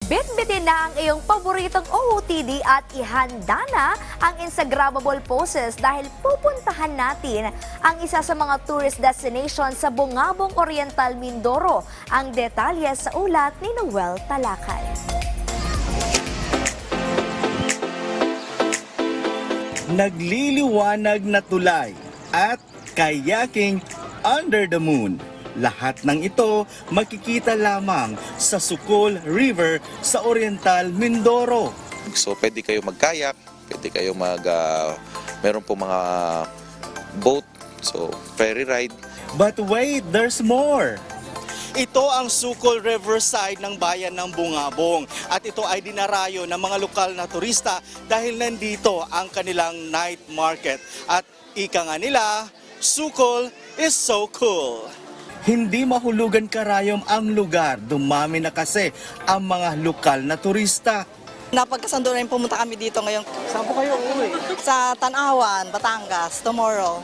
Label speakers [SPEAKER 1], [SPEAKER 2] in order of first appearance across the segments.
[SPEAKER 1] Bitbitin na ang iyong paboritong OOTD at ihanda na ang Instagrammable poses dahil pupuntahan natin ang isa sa mga tourist destination sa Bungabong Oriental, Mindoro. Ang detalye sa ulat ni Noel Talakay.
[SPEAKER 2] Nagliliwanag na tulay at kayaking under the moon. Lahat ng ito makikita lamang sa Sukol River sa Oriental, Mindoro.
[SPEAKER 3] So pwede kayo mag-kayak, pwede kayo meron po mga boat, so ferry ride.
[SPEAKER 2] But wait, there's more! Ito ang Sukol Riverside ng bayan ng Bungabong at ito ay dinarayo ng mga lokal na turista dahil nandito ang kanilang night market at ika nga nila, Sukol is so cool. Hindi mahulugan karayom ang lugar, dumami na kasi ang mga lokal na turista.
[SPEAKER 4] Napagkasundo rin pumunta kami dito ngayon.
[SPEAKER 2] Saan po kayo uuwi?
[SPEAKER 4] Sa Tanawan, Batangas, tomorrow.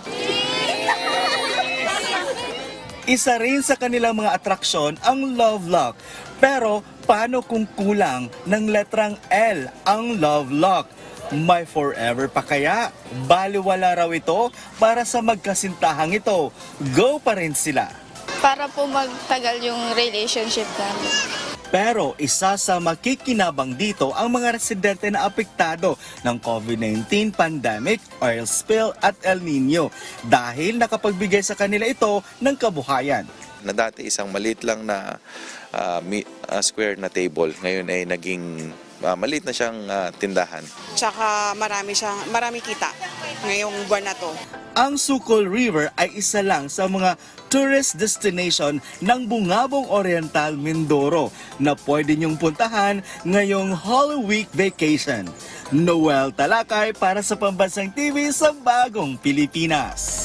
[SPEAKER 2] Isa rin sa kanilang mga atraksyon ang Love Lock. Pero paano kung kulang ng letrang L ang Love Lock? May forever pa kaya? Baliwala raw ito para sa magkasintahang ito. Go pa rin sila.
[SPEAKER 5] Para po magtagal yung relationship namin.
[SPEAKER 2] Pero isa sa makikinabang dito ang mga residente na apektado ng COVID-19 pandemic, oil spill at El Nino dahil nakapagbigay sa kanila ito ng kabuhayan.
[SPEAKER 3] Na dati isang maliit lang na square na table, ngayon ay naging maliit na siyang tindahan.
[SPEAKER 6] Tsaka marami kita ngayong buwan na to.
[SPEAKER 2] Ang Sukol River ay isa lang sa mga tourist destination ng Bungabong Oriental, Mindoro na pwede niyong puntahan ngayong Holy Week vacation. Noel Talakay para sa Pambansang TV sa Bagong Pilipinas.